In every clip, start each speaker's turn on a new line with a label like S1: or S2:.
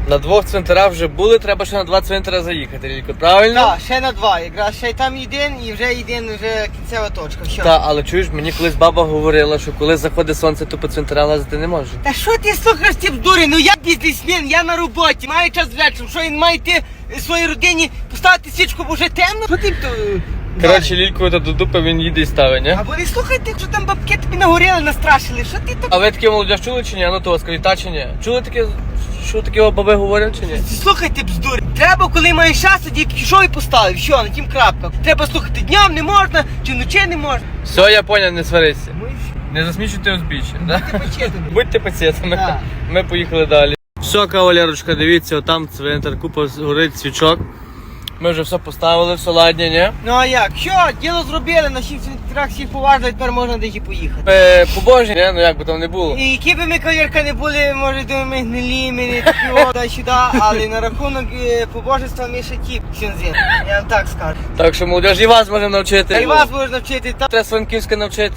S1: На 2 цвинтарах вже були, треба ще на 2 цвинтара заїхати, Лілько, правильно?
S2: Так, ще на 2. Якраз ще й там один і вже кінцева точка. Все.
S1: Так, але чуєш, мені колись баба говорила, що коли заходить сонце, то по цвинтарам лазити не може.
S2: Та що ти слухаєш ці бздури? Ну я бізнесмен, я на роботі, маю час вечором. Що він має йти своїй родині поставити свічку, бо вже темно? Що ти то?
S1: Коротше, Лільку до дупи він їде і ставить, ні?
S2: Або не слухайте, що там бабки тобі нагоріли, настрашили. Що ти так?
S1: А ви таке молодіж чули чи ні? Ну то скажіть, та чи ні? Чули таке, що такі баби говорять чи ні?
S2: Слухайте бздури. Треба, коли маєш час, тоді пішов і поставив. Все, на тім крапка. Треба слухати днем не можна, чи вночі не можна.
S1: Все, я поняв, не сварися.
S2: Ну і
S1: Не засмічуйте узбіччя, да?
S2: ти почетаний.
S1: Будьте пацієнтами.
S2: Так.
S1: Ми поїхали далі. Все, кавалерочка, дивіться, там цвинтар, купа горить свічок. Ми вже все поставили, все ладні, ні?
S2: Ну а як? Що? Діло зробили, на всіх цвинтарах всіх поважно, тепер можна десь і поїхати.
S1: Побожні, ні? Ну як би там не було.
S2: І які би ми кавалерка не були, може думаю, ми гнилі, ми не такі сюди, але на рахунок побожества ми ще ті сюнзин. Я вам так скажу.
S1: Так що молодіж, і вас можемо навчити.
S2: Та й вас можна вчити.
S1: Треба з Франківська навчити.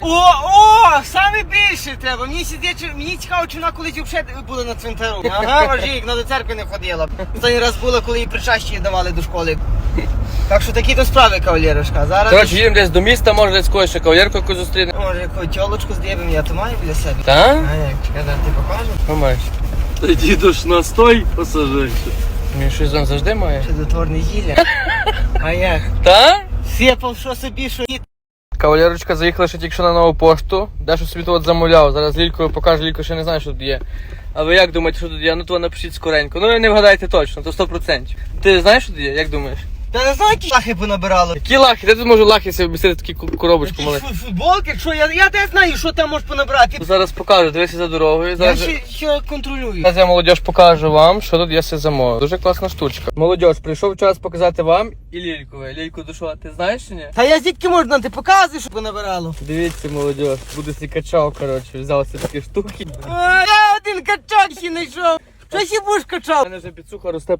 S2: Саме більше треба. Мені цікаво, чи вона колись взагалі була на цвинтару. Ага, вожі, вона до церкви не ходила. Останній раз була, коли їй причащі давали до школи. Так що такі то справи, кавалерушка. Зараз
S1: Коротше, їдемо десь до міста, може десь когось ще кавалерку якусь зустріне.
S2: може якусь тьолочку здібимо, я то маю біля себе.
S1: Та?
S2: А як, чекай, зараз ти покажу.
S1: Що маєш?
S3: Тоді ж настой пасажирчик.
S1: Він щось там завжди має.
S2: Чудотворне зілля. А як?
S1: Та?
S2: Сипав, що собі, що ні.
S1: Кавалерочка заїхала ще тільки що на нову пошту. Дещо собі тут замовляв. Зараз Лількою покаже, Лілько ще не знає, що тут є. А ви як думаєте, що тут є? Ну то напишіть скоренько. Ну не вгадайте точно, то 100%. Ти знаєш, що тут є? Як думаєш?
S2: Та не знаю, які лахи понабирало.
S1: Які лахи? Де тут можу лахи собі обмістити таку коробочку маленьку?
S2: Футболки, що я не знаю, що там можеш понабрати.
S1: Зараз покажу, дивися за дорогою.
S2: Я
S1: Зараз...
S2: ще контролюю.
S1: Зараз я, молодіж, покажу вам, що тут є все замовив. Дуже класна штучка. Молодіж, прийшов час показати вам і Лількове. Лільку, то що, ти знаєш чи ні?
S2: Та я звідки можна, ти показуєш, що понабирало.
S1: Дивіться, молодіж, буде свій качав, коротше, взяв собі такі штуки.
S2: Я один качок ще знайшов. Що ще будеш
S1: У
S2: качав?
S1: мене вже підсуха росте.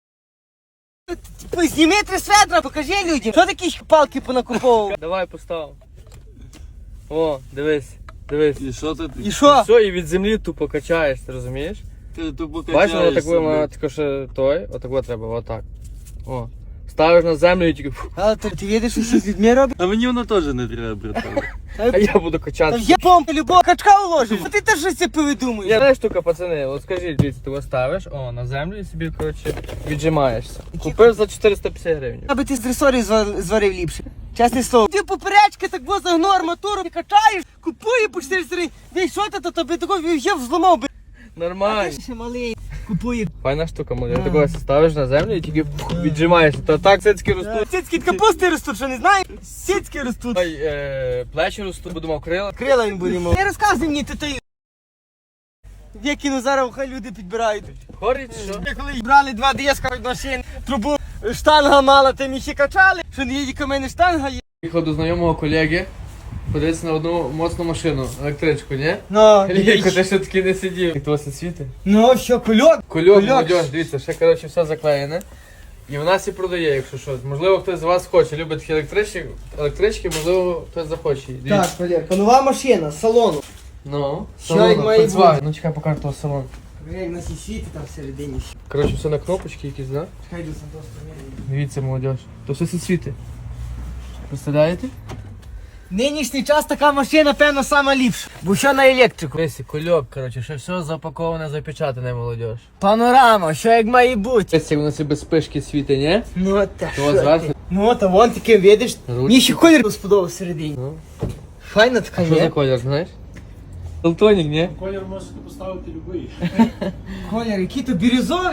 S2: Зніми 3 светра, покажи людям. Що такі палки понакуповував?
S1: Давай постав. О, дивись, дивись.
S3: І що ти?
S2: І що?
S1: Все, і від землі тупо качаєш, ти розумієш?
S3: Ти тупо
S1: Бачиш, воно так
S3: качаєшся,
S1: вона
S3: блядь.
S1: тако ще той, отак треба, отак. О. Ставиш на землю і тільки фу,
S2: Але ти видиш, що з людьми робить?
S3: А мені воно теж не треба, братан.
S1: а я буду
S2: Та
S1: качати.
S2: я помпу любого качка уложив. А ти теж щось це повидумуєш.
S1: Я знаю штука, пацани, от скажіть, дивіться, ти його ставиш, о, на землю і собі, коротше, віджимаєшся. Купив за 450 гривень.
S2: Аби ти з дресорів зварив ліпше. Чесне слово. Ти поперечки так во загнув арматуру, ти качаєш, купує по 400 гривень. Ні, що ти, то тобі такого я взламав би. А
S1: Нормально.
S2: ти ще малий. Купує.
S1: Файна штука, молодь. Ти такого ставиш на землю і тільки віджимаєшся. То так цицьки ростуть.
S2: Сіцькі від капусти ростуть, що не знаєш? Сіцькі ростуть.
S1: Ой, плечі ростуть, бо думав, крила.
S2: Крила він буде мав. Не розказуй мені, ти той. Викину зараз, хай люди підбирають.
S1: Хорить, що?
S2: Ми коли брали 2 диска від машин, трубу штанга мала, тим ще качали, що не їдь, у мене штанга є.
S1: Їхав до знайомого колеги, подивитися на одну моцну машину, електричку, ні?
S2: Ну,
S1: Лілько, ти ще таки не сидів. Як твоє світи?
S2: ну, що, кульок?
S1: Кульок, молодь, дивіться, ще, коротше, все заклеєне. І в нас і продає, якщо що. Можливо, хтось з вас хоче, любить такі електрички, можливо, хтось захоче. Дивіться.
S2: Так, Валерка, нова машина, з салону.
S1: Ну,
S2: Що як має бути?
S1: Ну, чекай, покажу того салон.
S2: Як на сій світі там всередині.
S1: Коротше, все на кнопочки якісь, да?
S2: Чекай, йду Сантос поміряю.
S1: Дивіться, молодь. То все світи. Представляєте?
S2: Нинішній час така машина, певно, сама ліпша. Бо що на електрику?
S1: Дивіться, кульок, коротше, ще все запаковане, запечатане, молодь.
S2: Панорама, що як має бути?
S1: Дивіться, як воно себе спишки світи, ні?
S2: Ну, та
S1: То
S2: що
S1: зверху.
S2: ти? Ну, та вон таке, видиш?
S1: Ручки.
S2: Мені ще колір сподобався всередині.
S1: Ну.
S2: Файна така,
S1: Що за
S2: є.
S1: колір, знаєш? Толтонік, ні?
S3: Колір можете поставити любий.
S2: Колір, який то бірюзовий.